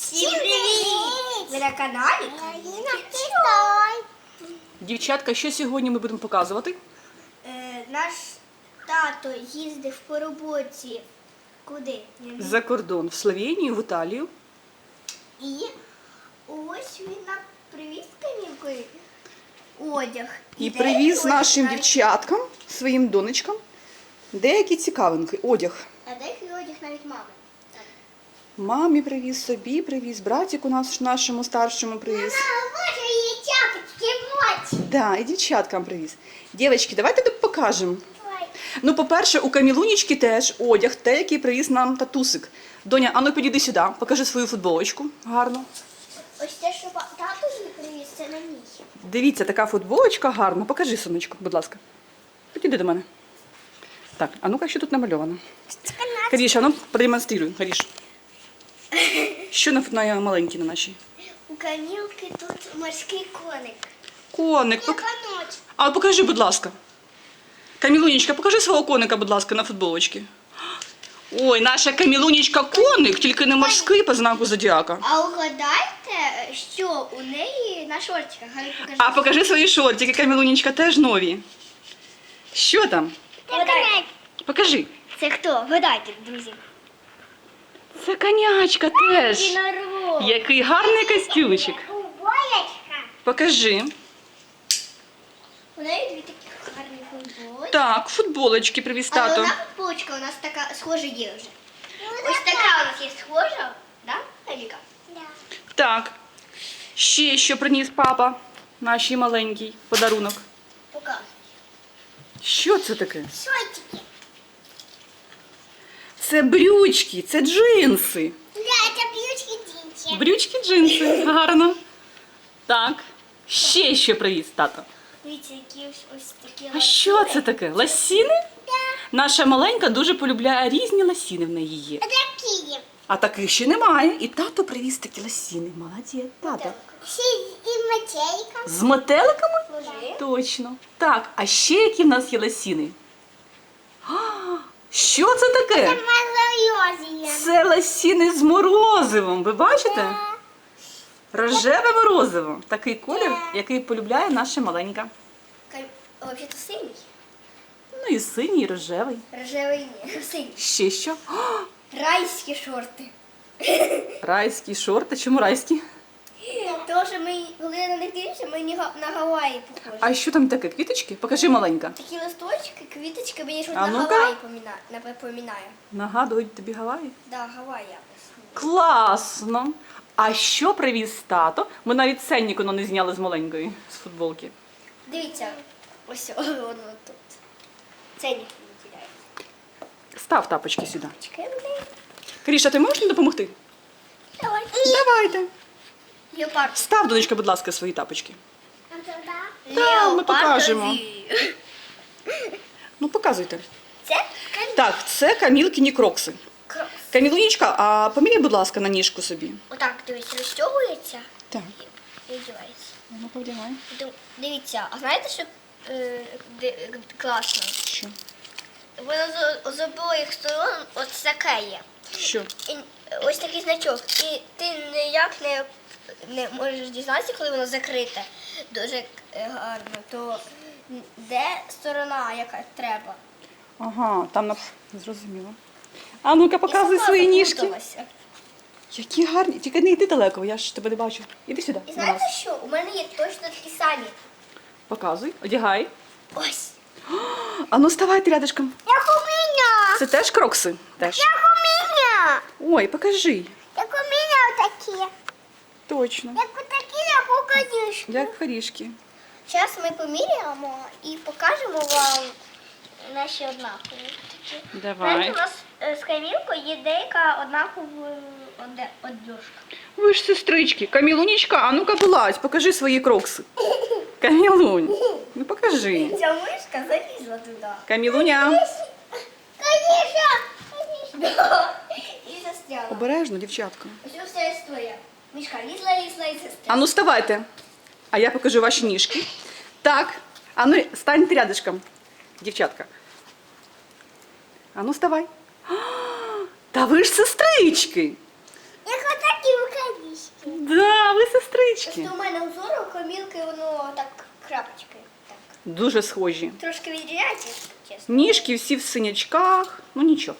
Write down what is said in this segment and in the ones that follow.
Всім привіт! Ви на каналі Каріна Дівчатка, що сьогодні ми будемо показувати? Наш тато їздив по роботі. Куди? За кордон, в Словенію, в Італію. І ось він нам привіз канікулі одяг. І деякий привіз одяг нашим навіть- дівчаткам, своїм донечкам, деякі цікавинки, одяг. А деякий одяг навіть мами. Мамі привіз, собі привіз, братику нашому старшому привіз. Боже, її чапочки, моці. Да, і дівчаткам привіз. Дівчатки, давайте тут покажемо. Ну, по-перше, у Камілунічки теж одяг, те, який привіз нам татусик. Доня, а ну підійди сюди, покажи свою футболочку. Гарно. Ось те, що тато її привіз, це на мій. Дивіться, така футболочка гарна. Покажи, сонечко, будь ласка. Підійди до мене. Так, а ну-ка, що тут намальовано? Каріш, а ну продемонструй, Каріш. Що на маленькій на нашій? У Камілки тут морський коник. Коник. А покажи, будь ласка. Камілунечка, покажи свого коника, будь ласка, на футболочці. Ой, наша Камілунечка коник, тільки не морський по знаку зодіака. А угадайте, що у неї на шортиках? Покажи. А покажи свої шортики, Камілунечка, теж нові. Що там? Вгадайте. Покажи. Це хто? Вгадайте, друзі. Це конячка теж. Єдинорог. Який гарний костюмчик. Футболочка. Покажи. У неї дві такі гарні футболочки. Так, футболочки привіз Але тато. одна футболочка у нас така схожа є вже. Ось така у нас є схожа, да, Аліка? Да. Так. Ще що приніс папа, нашій маленький подарунок. Показуй. Що це таке? Шортики. Це брючки, це джинси. Да, це брючки джинси. Брючки, джинси. Гарно. Так. Ще що привіз тато. Дивіться, які ось такі. А що це таке? Лосіни? Наша маленька дуже полюбляє різні лосіни в неї є. Такі. А таких ще немає. І тато привіз такі лосіни. Молодець, тато. Ще і метелика. З метеликами? Може. Точно. Так, а ще які в нас є лосіни? А, що це таке? Морозиво. Це лосіни з морозивом. Ви бачите? Рожеве морозиво. Такий колір, який полюбляє наша маленька. Взагалі-то синій. Ну і синій, і рожевий. Рожевий ні. Синій. Ще що? А, Райські шорти. райські шорти. Чому райські? Тому що ми, коли на них дивимося, ми на Гаваї похожі. А що там таке? Квіточки? Покажи, маленька. Такі листочки, квіточки, мені щось А на ну-ка. Гаваї напоминає. Нагадують тобі Гаваї? Да, Гаваї якось. Класно! А що привіз тато? Ми навіть ценник не зняли з маленької, з футболки. Дивіться, ось воно тут. Це ніхто не тіряє. Став тапочки сюди. Чекай, блин. Каріша, ти можеш мені допомогти? Давай. Давайте. Леопард. Став, донечка, будь ласка, свої тапочки. Леопард. ми покажемо. Леопардові. Ну, показуйте. Це Так, це Камілкині крокси. крос. Камілунічка, а поміряй, будь ласка, на ніжку собі. Отак, дивіться, розтягується Так. і одягається. Ну, повдягай. Дивіться, а знаєте, що класно? Що? Воно з обох сторон от таке є. Що? І ось такий значок. І ти ніяк не можеш дізнатися, коли воно закрите. Дуже гарно. То де сторона, яка треба? Ага, там зрозуміло. А ну-ка, показуй І сама свої ніжки. заплуталася. Які гарні. Тільки не йди далеко, я ж тебе не бачу. Іди сюди. І до знаєте нас. що? У мене є точно такі самі. Показуй, одягай. Ось. А ну ставайте рядышком. Як у мене. Це теж крокси? Теж. Як у мене. Ой, покажи. Як у мене такі. Точно. Як у такі, як у конюшки. Як горішки. Зараз ми поміряємо і покажемо вам наші однакові. Знаєте, у нас з Камілкою є деяка однакова одежка. Ви ж сестрички. Камілунічка, а ну-ка вилазь, покажи свої крокси. Камілунь, ну покажи. Ця мишка залізла туди. Камілуня. Конечно! І застряла. Обережно, дівчатка. Ось вся історія. Мишка лізла і застряла. А ну вставайте. А я покажу ваші ніжки. Так. А ну станьте рядышком, дівчатка. А ну вставай. А, та ви ж сестрички. Як отакі рукаві. невеличкі. Просто у мене узор, у Камілки воно так крапочки. Так. Дуже схожі. Трошки відрізняється, чесно. Ніжки всі в синячках. Ну нічого.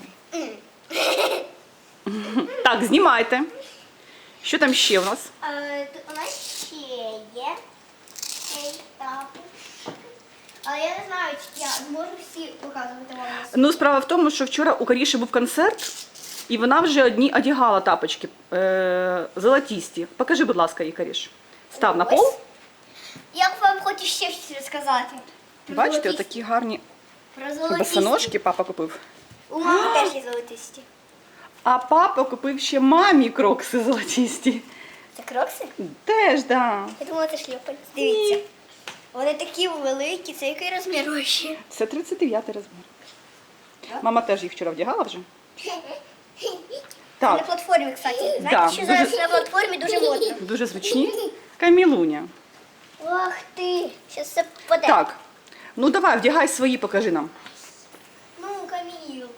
Так, знімайте. Що там ще у нас? У нас ще є цей тапочки. Але я не знаю, чи я зможу всі показувати вам. Ну, справа в тому, що вчора у Каріші був концерт, і вона вже одні одягала тапочки золотісті. Покажи, будь ласка, їй, Каріш. Став на пол. Я вам хочу ще щось розказати. Про Бачите, золотисті. отакі гарні Про золотисті. босоножки папа купив. У мами теж є золотисті. А папа купив ще мамі крокси золотісті. Це крокси? Теж, да. Я думала, це шльопанці. Дивіться. Вони такі великі. Це який розмір вообще? Це 39 розмір. Так. Мама теж їх вчора вдягала вже. На Так, платформі, кстати. Знаєте, Да, що дуже- зараз на платформі дуже модно. дуже зручні. Камілуня. Ох ти, зараз все впаде. Так, ну давай, вдягай свої, покажи нам. Ну, Камілку.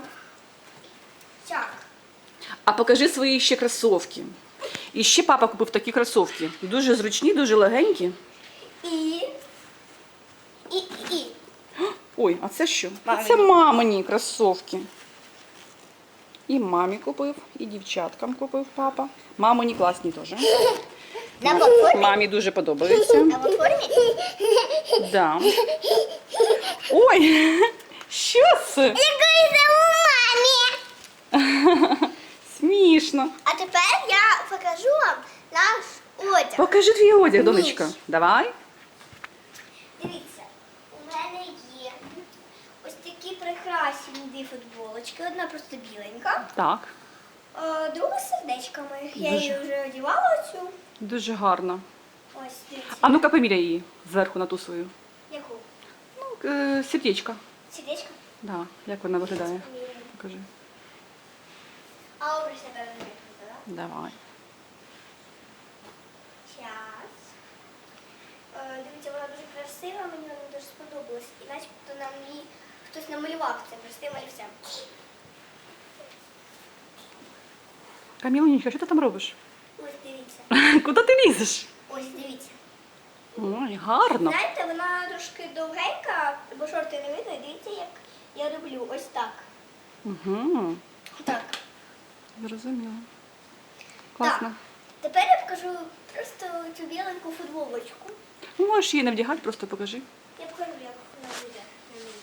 Так. А покажи свої ще кросовки. І ще папа купив такі кросовки. Дуже зручні, дуже легенькі. І. Ой, а це що? А Мамині. це мамині кросовки. І мамі купив, і дівчаткам купив папа. Мамині класні теж. На платформі? Мамі дуже подобаються. На платформі? Да. Ой, що це? Якої це у мамі. Смішно. А тепер я покажу вам наш одяг. Покажи твій одяг, донечка. Давай. Дивіться, у мене є ось такі прекрасні дві футболочки. Одна просто біленька, Так, а друга з сердечками. Я Дуже. її вже одягала цю. дуже гарно. Ось, дивіться. А ну-ка поміряй її зверху на ту свою. Яку? Ну, сердечко. Сердечко? Да, як вона виглядає? Покажи. А образ я даже не так? Давай. Час. Дивіться, вона дуже красива, мені вона дуже сподобалась. І начебто нам її хтось намалював це простим олівцем. Камілонечка, що ти там робиш? Ось дивіться. Куди ти лізеш? Ось дивіться. Ой, гарно. Знаєте, вона трошки довгенька, бо шорти не видно. І дивіться, як я роблю. Ось так. Угу. Так. Зрозуміло. Класно. Тепер я покажу просто цю біленьку футболочку. Ну, можеш її не вдягати, просто покажи. Я покажу, як вона буде на мені.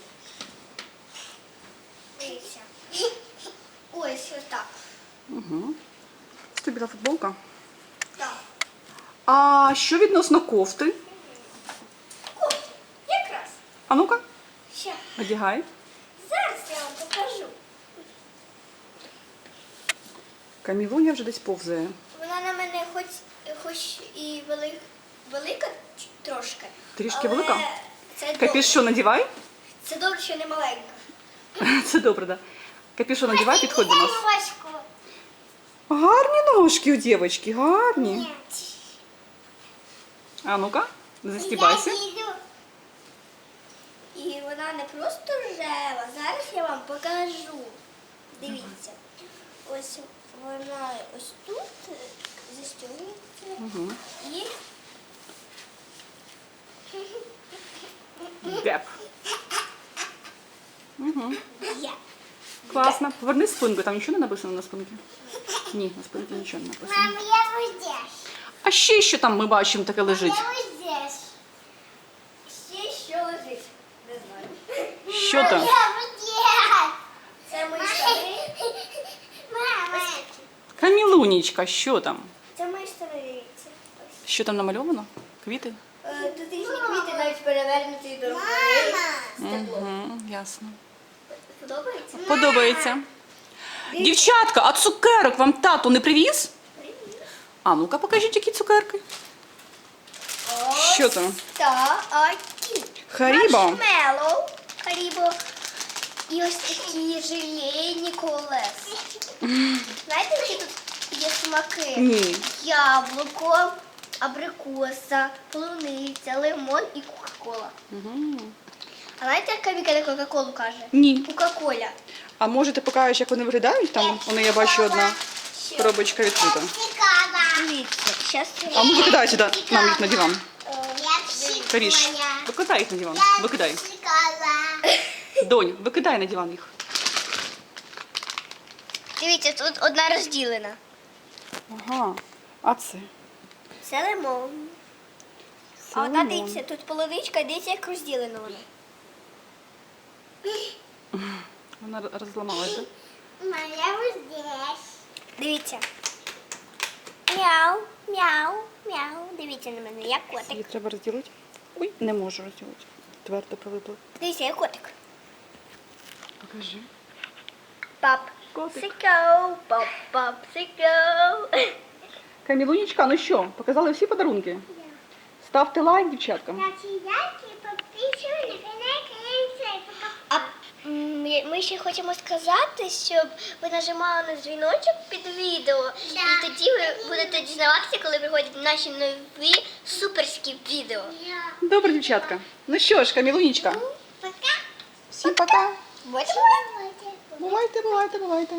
Дивіться. Ось так. Угу. Це тобі та футболка. Так. А що відносно кофти? О, якраз. А ну-ка, Ще. одягай. Зараз я вам покажу. Камілуня вже десь повзає. Вона на мене хоч і велика трошки. Трішки але велика? Це добре. Капюшон надівай. Це добре, що не маленька. Це добре, так. Да. Капюшон надівай, підходь до нас. Важко. Гарні ножки у дівчинки, гарні. Ні. А ну-ка, застібайся. Я їду. І вона не просто рожева. Зараз я вам покажу. Дивіться. Ось вона ось тут застягується. Угу. І Деп. Угу. є. Класно. Поверни спинку, там нічого не написано на спинці? Ні, на спинці нічого не написано. Мам, я ось здесь. А ще що там ми бачимо таке лежить? Я ось здесь. Ще що лежить? Не знаю. Що там? Я ось здесь. Це мої штани. Мама. Камілунічка, що там? Це мої штани, дивіться. Ось. Що там намальовано? Квіти? Тут різні квіти навіть перевернуті до руки. Стебло. Угу, ясно. Подобається? Подобається. Дівчатка, а цукерок вам тато не привіз? А ну-ка покажіть, які цукерки. Що там? Такі. Харібо. Маршмеллоу. Харібо. І ось такі желейні колеса. Знаєте, які тут є смаки? Ні. Яблуко, абрикоса, полуниця, лимон і кока-кола. Угу. А знаєте, як Каміка на кока-колу каже? Ні. Кока-коля. А може ти покажеш, як вони виглядають? Там, вони, я бачу, одна коробочка відкрита. Цікава. Дивіться, зараз А ну викидай сюди нам їх на диван. я Каріш, викидай їх на диван. Викидай. Донь, викидай на диван їх. Дивіться, тут одна розділена. Ага. А це? Це лимон. Це А одна, лимон. дивіться, тут половичка, дивіться, як розділена вона. Вона розламалася. Моя ось здесь. Дивіться. Мяу, мяу, мяу. Дивіться на мене, як котик. Її треба розділити. Ой, не можу розділити. Твердо прилипло. Дивіться, як котик. Покажи. Пап. Котик. Сико, пап, пап, сико. Камілунечка, ну що, показали всі подарунки? Ставте лайк, дівчатка. А ми ще хочемо сказати, щоб ви нажимали на дзвіночок під відео. І тоді ви будете дізнаватися, коли приходять наші нові суперські відео. Добре, дівчатка. Ну що ж, Камілунечка. Пока. Всім пока. Бувайте. Бувайте, бувайте, бувайте.